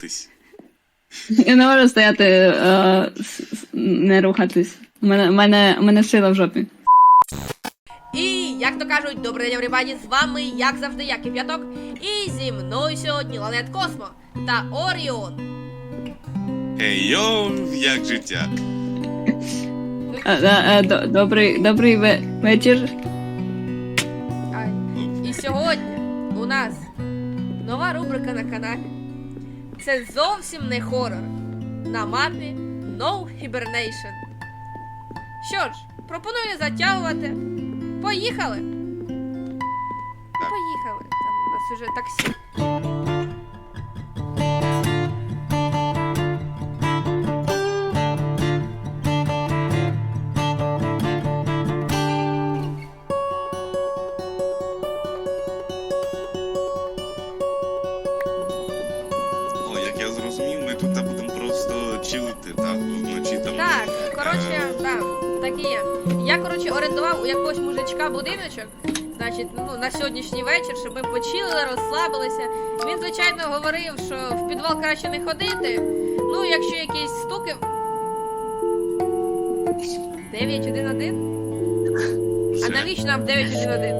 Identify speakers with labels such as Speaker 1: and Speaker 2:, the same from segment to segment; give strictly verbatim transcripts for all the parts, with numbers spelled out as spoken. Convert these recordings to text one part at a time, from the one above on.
Speaker 1: Тись.
Speaker 2: Я не можу стояти, е, не рухатись. У мене, у мене, у мене сила в жопі.
Speaker 3: І, як то кажуть, добрий день, everybody, з вами, як завжди, я Кип'яток. І зі мною сьогодні Ланет Космо та Оріон.
Speaker 1: Ей, йоу, як життя?
Speaker 2: Е, е, е, до- Добрий, добрий ве- вечір.
Speaker 3: Ай. І сьогодні у нас нова рубрика на каналі. Це зовсім не хорор. На мапі No Hibernation. Що ж, пропоную не затягувати. Поїхали! Поїхали. Там у нас уже таксі.
Speaker 1: О, як я зрозумів, ми тут будемо просто чилити, так, вночі там.
Speaker 3: Так, коротше, да, так і є. Я, коротше, орендував у якогось мужичка будиночок, значить, ну, на сьогоднішній вечір, щоб ми почилили, розслабилися. Він, звичайно, говорив, що в підвал краще не ходити. Ну, якщо якісь стуки. дев'ять один один? А
Speaker 1: Все.
Speaker 3: навіщо нам дев'ять один один?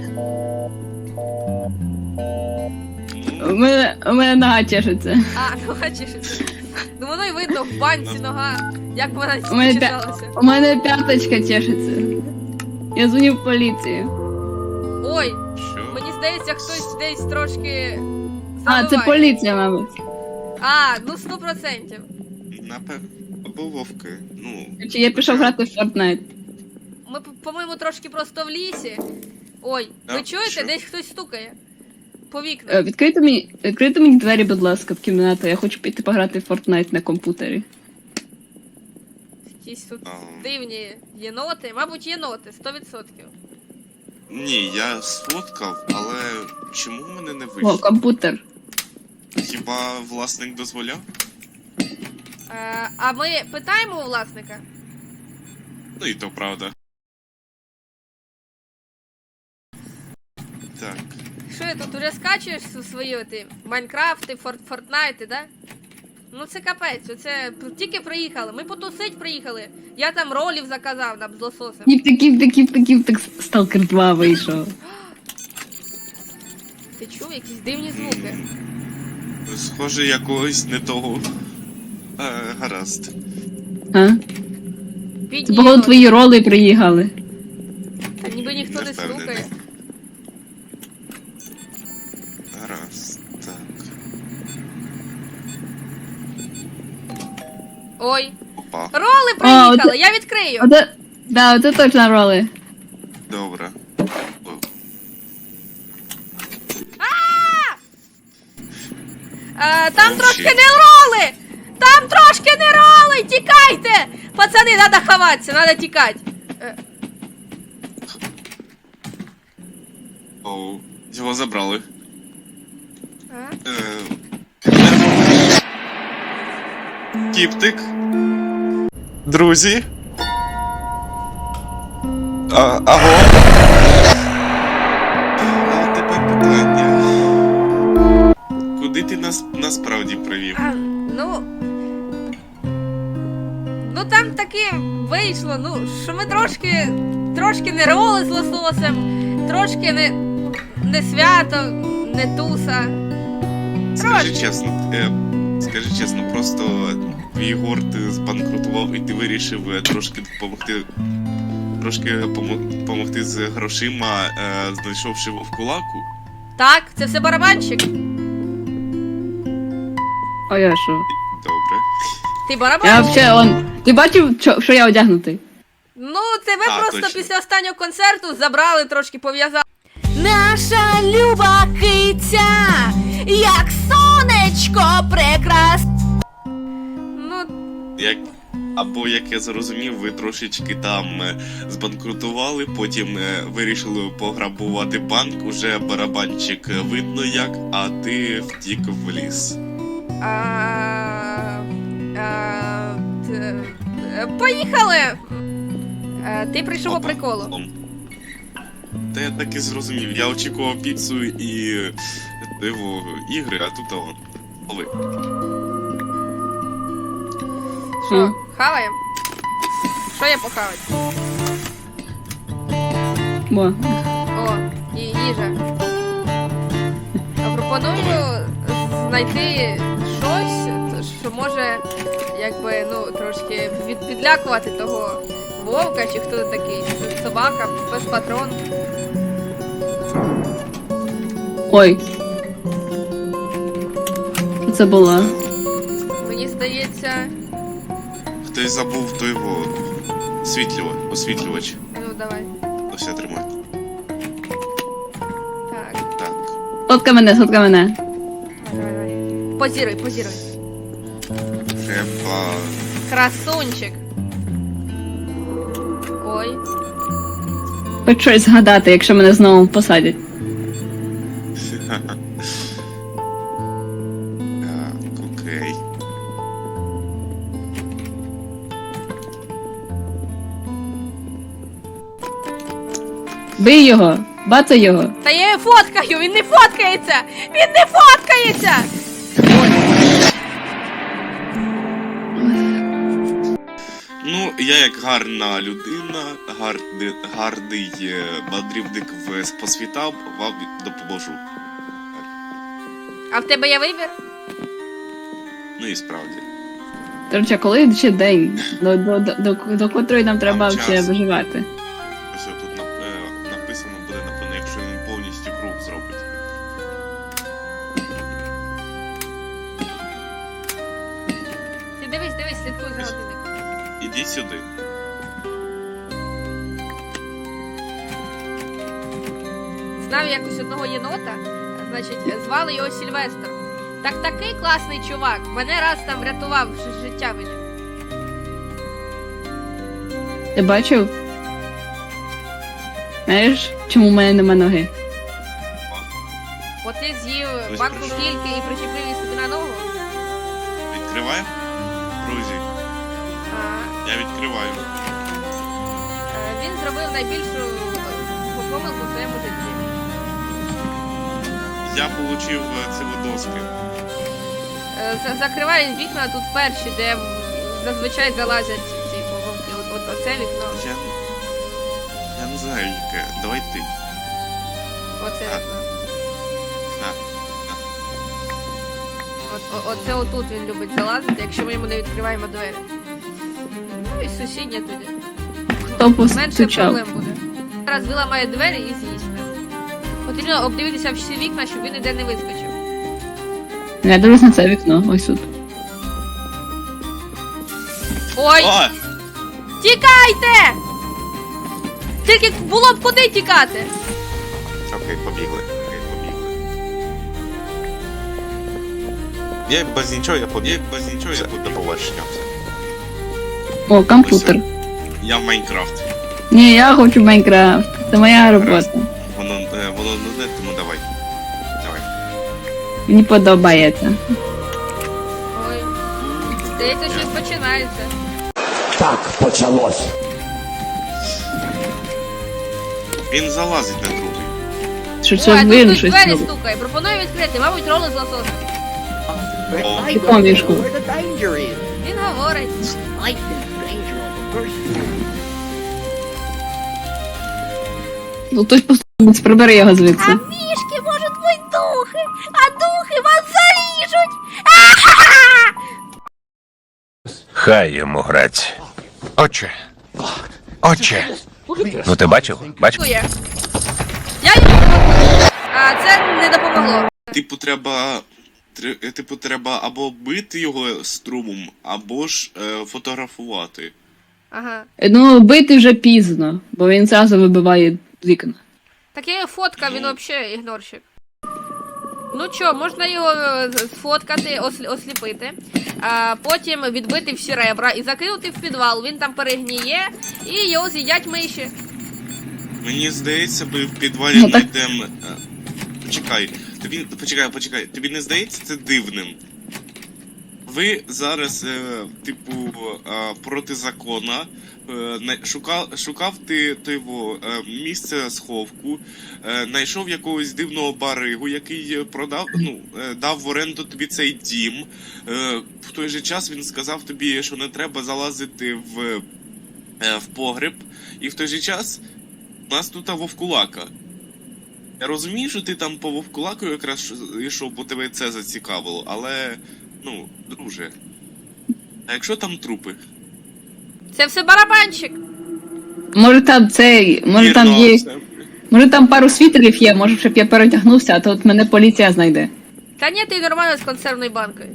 Speaker 2: У мене, у мене нога чешеться.
Speaker 3: А, ну бачиш. Ну воно й видно в банці нога, як вона
Speaker 2: У мене, пя...
Speaker 3: чесалася.
Speaker 2: у мене п'яточка чешеться. Я дзвоню в поліцію.
Speaker 3: Ой,
Speaker 1: Що?
Speaker 3: мені здається, хтось десь трошки.
Speaker 2: А, це
Speaker 3: заливає.
Speaker 2: поліція, мабуть.
Speaker 3: А, ну сто процентів.
Speaker 1: Напевно. Або вовки. Ну.
Speaker 2: Чи я пішов грати в Fortnite.
Speaker 3: Ми, по- по-моєму, трошки просто в лісі. Ой, ви
Speaker 1: А,
Speaker 3: чуєте?
Speaker 1: що?
Speaker 3: Десь хтось стукає. По
Speaker 2: Е,
Speaker 3: вікнам.
Speaker 2: Відкрийте мені, відкрийте мені двері, будь ласка, в кімнату. Я хочу піти пограти в Fortnite на комп'ютері.
Speaker 3: Якісь тут
Speaker 1: А.
Speaker 3: дивні єноти. Мабуть, єноти, сто відсотків.
Speaker 1: Ні, я сфоткав, але чому в мене не
Speaker 2: О,
Speaker 1: вийшло?
Speaker 2: комп'ютер.
Speaker 1: Хіба власник дозволяв?
Speaker 3: Е, а ми питаємо у власника?
Speaker 1: Ну і то правда. Так.
Speaker 3: Що я тут уже скачуєш у свої оті Майнкрафти, Форт, Фортнайти, да? Ну це капець, оце тільки приїхали. Ми потусить приїхали. Я там ролів заказав нам з лососем.
Speaker 2: Кіп таків, таків, таків, так Stalker два вийшов.
Speaker 3: Ти чув якісь дивні звуки?
Speaker 1: Схоже, якогось не того. Е, гаразд.
Speaker 2: А?
Speaker 3: Бідні
Speaker 2: Це, походу,
Speaker 3: єноти.
Speaker 2: твої роли приїхали.
Speaker 3: Та ніби ніхто
Speaker 1: Не
Speaker 3: не
Speaker 1: впевнений.
Speaker 3: стукає.
Speaker 1: Гаразд. Так.
Speaker 3: Ой,
Speaker 1: Опа.
Speaker 3: роли приїхали,
Speaker 2: оце-
Speaker 3: я відкрию.
Speaker 2: Оце, да, оце точно роли.
Speaker 1: Добре. О,
Speaker 3: Е, там
Speaker 1: Oh,
Speaker 3: трошки
Speaker 1: shit.
Speaker 3: не роли! Там трошки не роли! Тікайте! Пацани, треба ховатися, треба тікати. Е,
Speaker 1: Оу. Його забрали.
Speaker 3: а?
Speaker 1: Е, Кіптик. Друзі. А, аго. А тепер питання. Куди ти нас насправді привів?
Speaker 3: А, ну. Ну там таки вийшло, ну, що ми трошки. Трошки не роли з лососем, трошки не. не свято, не туса.
Speaker 1: Скажи
Speaker 3: Трошки.
Speaker 1: чесно, е, скажи чесно, просто твій горд збанкрутував і ти вирішив е, трошки допомогти. Трошки помо- допомогти з грошима, е, знайшовши в кулаку.
Speaker 3: Так, це все барабанщик.
Speaker 2: О, я що?
Speaker 1: Добре.
Speaker 3: Ти
Speaker 2: Я
Speaker 3: барабанщик.
Speaker 2: взагалі, он... Ти бачив, що, що я одягнутий?
Speaker 3: Ну, тебе
Speaker 1: А,
Speaker 3: просто
Speaker 1: точно.
Speaker 3: після останнього концерту забрали, трошки пов'язали. Наша люба киця, як сонечко прекрасне. Ну,
Speaker 1: Як... Або, як я зрозумів, ви трошечки там е, збанкрутували, потім е, вирішили пограбувати банк, уже барабанчик е, видно як, а ти втік в ліс.
Speaker 3: а, а, т- е, поїхали. Е, Ти прийшов по
Speaker 1: Опа.
Speaker 3: приколу.
Speaker 1: Ом. Та я так і зрозумів. Я очікував піцу і диво ігри, а тут он. Лови.
Speaker 3: Що, хаваємо? Що я похавать?
Speaker 2: Бо.
Speaker 3: О, і їжа. Пропоную знайти щось, що може, якби, ну, трошки від, підлякувати того вовка, чи хто такий, собака, без патрон.
Speaker 2: Ой. Що це було?
Speaker 3: Мені здається,
Speaker 1: Хтось забув той во... Світлювач, освітлювач.
Speaker 3: ну давай.
Speaker 1: Ну все, тримай.
Speaker 3: Так,
Speaker 1: Так.
Speaker 2: Сотка мене, сотка мене.
Speaker 3: давай, давай. Позіруй, позіруй.
Speaker 1: Треба...
Speaker 3: Красунчик. Ой.
Speaker 2: Хоч щось згадати, якщо мене знову посадять.
Speaker 1: Так, окей.
Speaker 2: Бий його! Бацай його!
Speaker 3: Та я його фоткаю, він не фоткається! Він не фоткається!
Speaker 1: Ну, я як гарна людина, гарди, гарний е, мандрівник в по світам, вам допоможу.
Speaker 3: А в тебе є вибір?
Speaker 1: Ну і справді.
Speaker 2: До речі, коли ще день? До, до, до, до, до котрої нам треба
Speaker 1: Там
Speaker 2: ще
Speaker 1: час.
Speaker 2: виживати?
Speaker 1: Ось тут нап- е, написано буде, напевно, якщо він повністю круг зробить.
Speaker 3: Ти дивись, дивись, слідкуй за годинником.
Speaker 1: Ідіть сюди.
Speaker 3: Знав якось одного єнота, значить, звали його Сільвестр. Так такий класний чувак. Мене раз там врятував ж- життя мені.
Speaker 2: Ти бачив? Знаєш, чому в мене нема ноги?
Speaker 3: От ти з'їв
Speaker 1: Ось
Speaker 3: банку
Speaker 1: прийшов.
Speaker 3: кільки і причепив її собі на ногу.
Speaker 1: Відкриваємо? Друзі,
Speaker 3: А,
Speaker 1: я відкриваю.
Speaker 3: е, він зробив найбільшу е, помилку в своєму житті.
Speaker 1: Я отримав ці доски.
Speaker 3: Е, за- Закривай вікна тут перші, де зазвичай залазять ці вовки. От, от оце вікно,
Speaker 1: Я... Я не знаю, яке. Давай ти.
Speaker 3: оце
Speaker 1: А.
Speaker 3: вікно.
Speaker 1: Так.
Speaker 3: От, о- оце отут він любить залазити, якщо ми йому не відкриваємо двері. Ну і сусідня туди.
Speaker 2: Хто
Speaker 3: Менше
Speaker 2: постучав?
Speaker 3: проблем буде. Зараз виламає двері і з'їсть нас. Потрібно обдивитися всі вікна, щоб він ніде не вискочив.
Speaker 2: Я дивлюсь на це вікно, ось тут.
Speaker 3: Ой!
Speaker 1: О!
Speaker 3: Тікайте! Тільки було б куди тікати!
Speaker 1: Окей, побігли. Окей, побігли. Я без нічого, я побіг. Я без нічого, я побіг. До побачення.
Speaker 2: О, комп'ютер.
Speaker 1: Я в Майнкрафт.
Speaker 2: Ні, я хочу Майнкрафт. Це моя робота.
Speaker 1: Воно, е, воно не де, тому давай. Давай.
Speaker 2: Мені подобається.
Speaker 3: Ой. Здається, щось починається.
Speaker 4: Так почалось.
Speaker 1: Він залазить на другий.
Speaker 2: Що
Speaker 3: Ой,
Speaker 2: це
Speaker 3: а тут
Speaker 2: він
Speaker 3: хтось
Speaker 2: щось
Speaker 3: двері
Speaker 2: робить.
Speaker 3: стукає. Пропоную відкрити, мабуть, роли з лососем.
Speaker 1: О.
Speaker 4: I
Speaker 2: Якому
Speaker 4: don't
Speaker 2: мішку?
Speaker 4: know where the danger is.
Speaker 3: Він говорить.
Speaker 4: I think danger on the first floor.
Speaker 2: Ну хтось просто прибери його
Speaker 3: А
Speaker 2: звідси.
Speaker 3: мішки можуть бути духи, а духи вас заріжуть. А-ха-ха!
Speaker 5: Хай йому грать. Отче. Отче. Ну ти бачив? Бачив?
Speaker 3: Дякує. Я йому... А це не допомогло.
Speaker 1: Типу, треба. тре- Типу, треба або бити його струмом, або ж е, фотографувати.
Speaker 3: Ага.
Speaker 2: Ну, бити вже пізно, бо він зразу вибиває вікна.
Speaker 3: Так я його фоткав, він взагалі ігнорщик. Ну чо, можна його е, сфоткати, ослі- осліпити, а потім відбити всі ребра і закинути в підвал. Він там перегніє і його з'їдять миші.
Speaker 1: Мені здається, ми в підвалі
Speaker 2: Ну, так-
Speaker 1: знайдемо. е, Почекай, тобі. Почекай, почекай, тобі не здається це дивним? Ви зараз, е, типу, е, проти закона. Е, най- шукав, шукав ти типу, е, місце сховку, е, знайшов якогось дивного баригу, який е, продав, ну, е, дав в оренду тобі цей дім. Е, в той же час він сказав тобі, що не треба залазити в, е, в погреб. І в той же час у нас тут вовкулака. Я розумію, що ти там по вовкулаку якраз йшов, бо тебе це зацікавило, але, ну, друже, а якщо там трупи?
Speaker 3: Це все барабанчик.
Speaker 2: Може там цей, може там
Speaker 1: Вірно,
Speaker 2: є.
Speaker 1: це-
Speaker 2: Може там пару світерів є, може щоб я перетягнувся, а то от мене поліція знайде.
Speaker 3: Та ні, ти нормально з консервною банкою.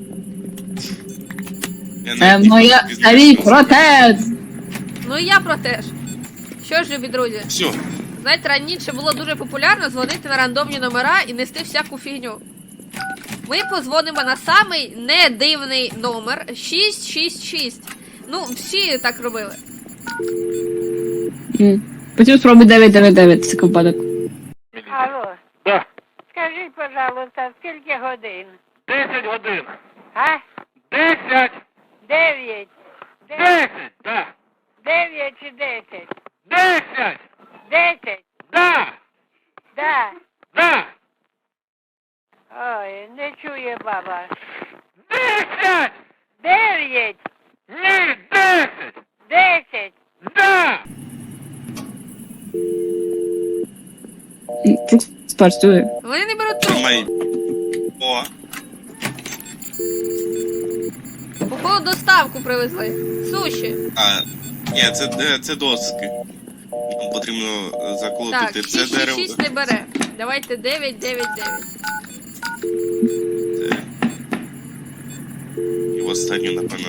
Speaker 1: Я
Speaker 2: Це
Speaker 1: навіть не
Speaker 2: моя
Speaker 1: хочу
Speaker 2: старий
Speaker 1: пізнати.
Speaker 2: протез!
Speaker 3: Ну і я про те ж. Що ж, любі друзі,
Speaker 1: Все,
Speaker 3: знаєте, раніше було дуже популярно дзвонити на рандомні номера і нести всяку фігню. Ми позвонимо на самий недивний номер шість шість шість. Ну, всі так робили.
Speaker 2: М. Потім спробуй дев'ять дев'ять дев'ять, це випадок.
Speaker 6: Алло,
Speaker 7: Да,
Speaker 6: скажіть, пожалуйста, скільки годин?
Speaker 7: десять годин.
Speaker 6: А?
Speaker 7: Десять!
Speaker 6: Дев'ять. Де-
Speaker 7: Десять! Да!
Speaker 6: Дев'ять чи десять?
Speaker 7: Десять!
Speaker 6: Десять?
Speaker 7: Да!
Speaker 6: Да.
Speaker 7: Да!
Speaker 6: Ой, не чує баба.
Speaker 7: Десять!
Speaker 6: Дев'ять.
Speaker 7: Ні, десять!
Speaker 6: Десять.
Speaker 7: Да!
Speaker 2: М, Це спрацює.
Speaker 3: Вони не беруть трубку.
Speaker 1: тримай. О,
Speaker 3: Походу доставку привезли. Суші.
Speaker 1: а, ні, це, е, це доски. Нам потрібно е,
Speaker 3: Так,
Speaker 1: заколотити це
Speaker 3: шість шість
Speaker 1: дерево.
Speaker 3: шість не бере. Давайте дев'ять дев'ять дев'ять.
Speaker 1: Це... І в останню, напевно.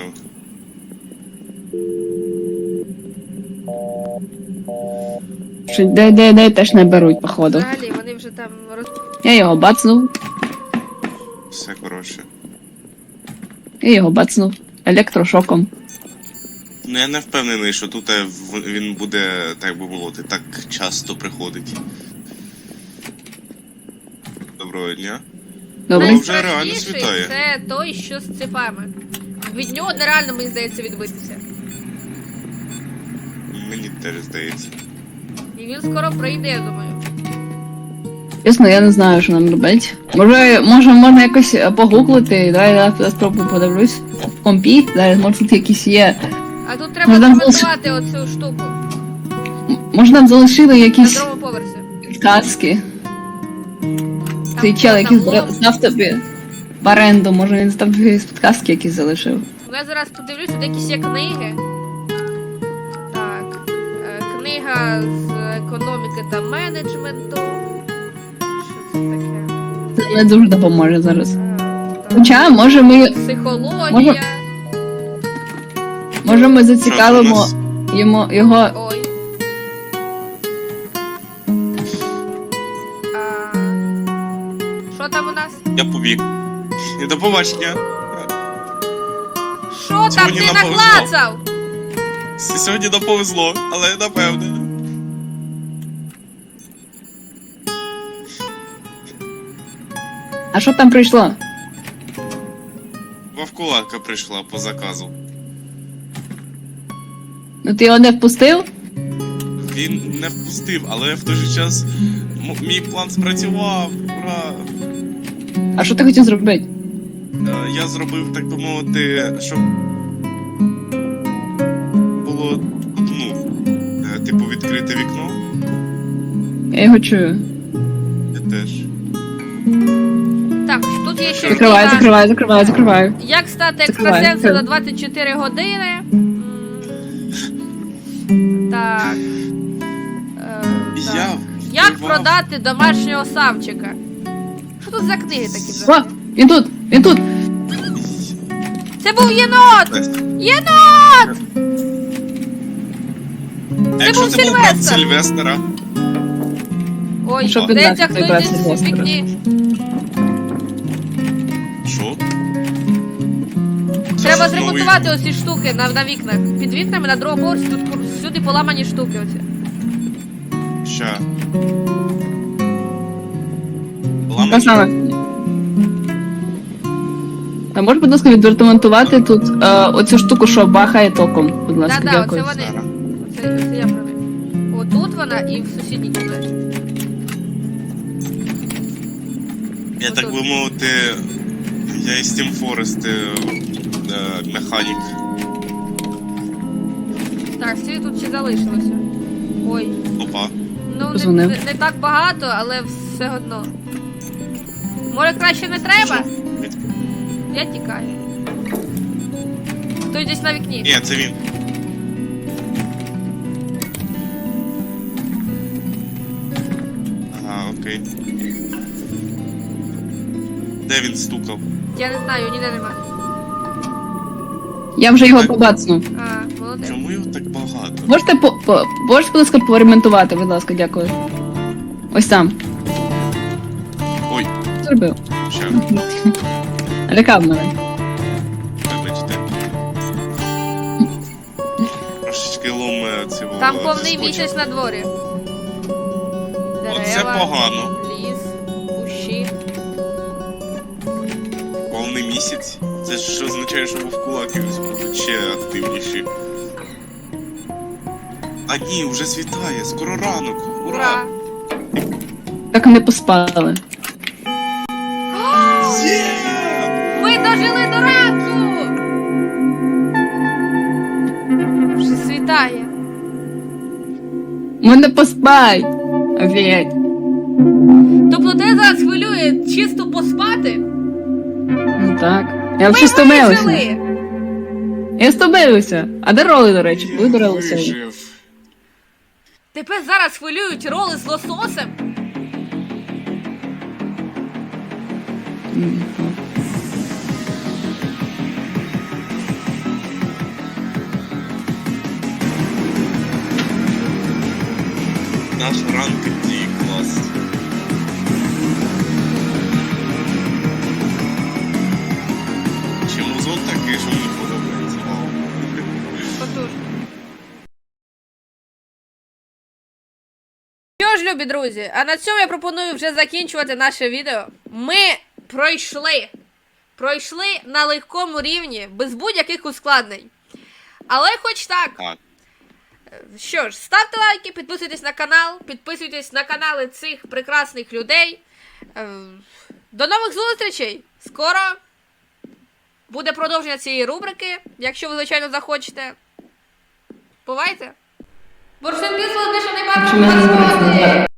Speaker 2: Що де, де, де теж не беруть, походу.
Speaker 3: Взагалі, вони вже там роз...
Speaker 2: Я його бацнув,
Speaker 1: Все хороше.
Speaker 2: я його бацнув. Електрошоком.
Speaker 1: Ну я не впевнений, що тут е, в- він буде, так би мовити, так часто приходить. Доброго дня.
Speaker 2: Добре.
Speaker 1: Ну, вже реально
Speaker 3: Найстрашніший
Speaker 1: світає.
Speaker 3: це той, що з цепами. Від нього нереально, мені здається, відбитися.
Speaker 1: Мені теж здається.
Speaker 3: І він скоро прийде, я думаю.
Speaker 2: Чесно, я не знаю, що нам робити. Може, може, можна якось е, погуглити, дай я я спробую подивлюсь. В компі, зараз, може тут якісь є.
Speaker 3: А тут треба
Speaker 2: Ну, там
Speaker 3: коментувати оцю штуку
Speaker 2: М- Може нам залишили
Speaker 3: на
Speaker 2: якісь
Speaker 3: другому поверсі.
Speaker 2: підказки.
Speaker 3: Там
Speaker 2: Цей чел, який
Speaker 3: там лом.
Speaker 2: здав тобі в оренду, може він там якісь підказки якісь залишив.
Speaker 3: Ну, я зараз подивлюсь, тут якісь є книги. Так. е, Книга з економіки та менеджменту. Що це таке?
Speaker 2: Це не дуже допоможе зараз.
Speaker 3: Е, так.
Speaker 2: Хоча, може ми,
Speaker 3: Психологія.
Speaker 2: Може- може ми
Speaker 1: Що
Speaker 2: зацікавимо
Speaker 1: це у нас?
Speaker 2: йому, його.
Speaker 3: Ой. А, Що там у нас?
Speaker 1: Я побіг. І до побачення.
Speaker 3: Що там
Speaker 1: Сьогодні
Speaker 3: ти
Speaker 1: нам повезло.
Speaker 3: наклацав?
Speaker 1: С- Сьогодні не повезло, але напевне.
Speaker 2: А що там прийшло?
Speaker 1: Вовкулака прийшла по заказу.
Speaker 2: Ну ти його не впустив?
Speaker 1: Він не впустив, але в той же час м- мій план спрацював. Ура!
Speaker 2: А що ти хотів зробити?
Speaker 1: Е, Я зробив, так би мовити, щоб було ну, е, типу відкрите вікно.
Speaker 2: Я його чую.
Speaker 1: Я теж.
Speaker 3: Так, тут є ще
Speaker 2: Закриваю,
Speaker 3: книга.
Speaker 2: закриваю, закриваю, закриваю.
Speaker 3: Як стати
Speaker 2: Закриваю,
Speaker 3: екстрасенсом за
Speaker 2: закриваю.
Speaker 3: двадцять чотири години? М, Так. Е, так.
Speaker 1: Я
Speaker 3: Як
Speaker 1: вбивав-
Speaker 3: продати домашнього савчика? Що тут за книги такі
Speaker 2: О,
Speaker 3: взагалі?
Speaker 2: він тут, він тут.
Speaker 3: Це був єнот! Єнот!
Speaker 1: А якщо
Speaker 3: був
Speaker 1: це був брат
Speaker 3: Сильвестр.
Speaker 1: Сильвестра?
Speaker 3: Ой,
Speaker 2: Що
Speaker 3: здається,
Speaker 2: підбрати,
Speaker 3: хтось
Speaker 2: підбрати
Speaker 3: десь у
Speaker 2: Сильвестра?
Speaker 3: вікні.
Speaker 1: Що?
Speaker 3: Треба
Speaker 1: Це ж новий-
Speaker 3: зремонтувати оці штуки на, на вікнах. Під вікнами на другому поверсі тут кур- всюди поламані штуки оці.
Speaker 1: Ща.
Speaker 2: Те
Speaker 1: Ламані?
Speaker 2: саме. А можеш, будь ласка, відремонтувати тут е, оцю штуку, що бахає током? Будь ласка,
Speaker 3: Да-да,
Speaker 2: дякую.
Speaker 3: оце вони. Оце, оце я про них. Отут вона і в сусідній кімнаті.
Speaker 1: Я
Speaker 3: Отут.
Speaker 1: так би мовити, я із Team Forest е, е, механік.
Speaker 3: Так, всі тут ще залишилося. Ой.
Speaker 1: Опа.
Speaker 3: Ну, не,
Speaker 2: Позвонив.
Speaker 3: не, не так багато, але все одно. Може, краще не треба?
Speaker 1: Від-
Speaker 3: Я тікаю. Хтось десь на вікні.
Speaker 1: Ні, це він. Ага, окей. Де він стукав?
Speaker 3: Я не знаю, ніде нема.
Speaker 2: Я вже його побацну.
Speaker 3: А, молодець.
Speaker 1: Чому його так багато?
Speaker 2: Можете по, по можеш, будь ласка, поремонтувати, будь ласка, дякую. Ось там.
Speaker 1: Ой,
Speaker 2: Зробив.
Speaker 1: ще,
Speaker 2: Лякав мене.
Speaker 1: вибачте. Трошечки ломе цього.
Speaker 3: Там повний
Speaker 1: скотча.
Speaker 3: місяць на дворі.
Speaker 1: Оце погано.
Speaker 3: ліс, кущі.
Speaker 1: Повний місяць. Це ж означає, що вовкулаки будуть ще активніші. А ні, вже світає, скоро ранок.
Speaker 3: Ура!
Speaker 1: Ура!
Speaker 2: Так і не поспали.
Speaker 1: Є!
Speaker 3: Ми дожили до ранку! Вже світає.
Speaker 2: Ми не поспай! Офігеть.
Speaker 3: Тобто тебе зараз хвилює чисто поспати?
Speaker 2: Ну так. Я
Speaker 3: Ми
Speaker 2: вже стомилася.
Speaker 3: вижили!
Speaker 2: Я стомилася. А де роли, до речі? Ви до роли сьогодні?
Speaker 1: Вижив.
Speaker 3: Тебе зараз хвилюють роли з лососем?
Speaker 2: М, так.
Speaker 1: Наш ранк дій клас. Чи музон такий, що мені подобається? Вау.
Speaker 3: Потужно. Що ж, любі друзі, а на цьому я пропоную вже закінчувати наше відео. Ми пройшли. Пройшли на легкому рівні, без будь-яких ускладнень. Але хоч так.
Speaker 1: Так.
Speaker 3: Що ж, ставте лайки, підписуйтесь на канал, підписуйтесь на канали цих прекрасних людей. Е, До нових зустрічей! Скоро буде продовження цієї рубрики, якщо ви, звичайно, захочете. Бувайте! Борщин більше не
Speaker 2: Чи мене не
Speaker 3: бачимо.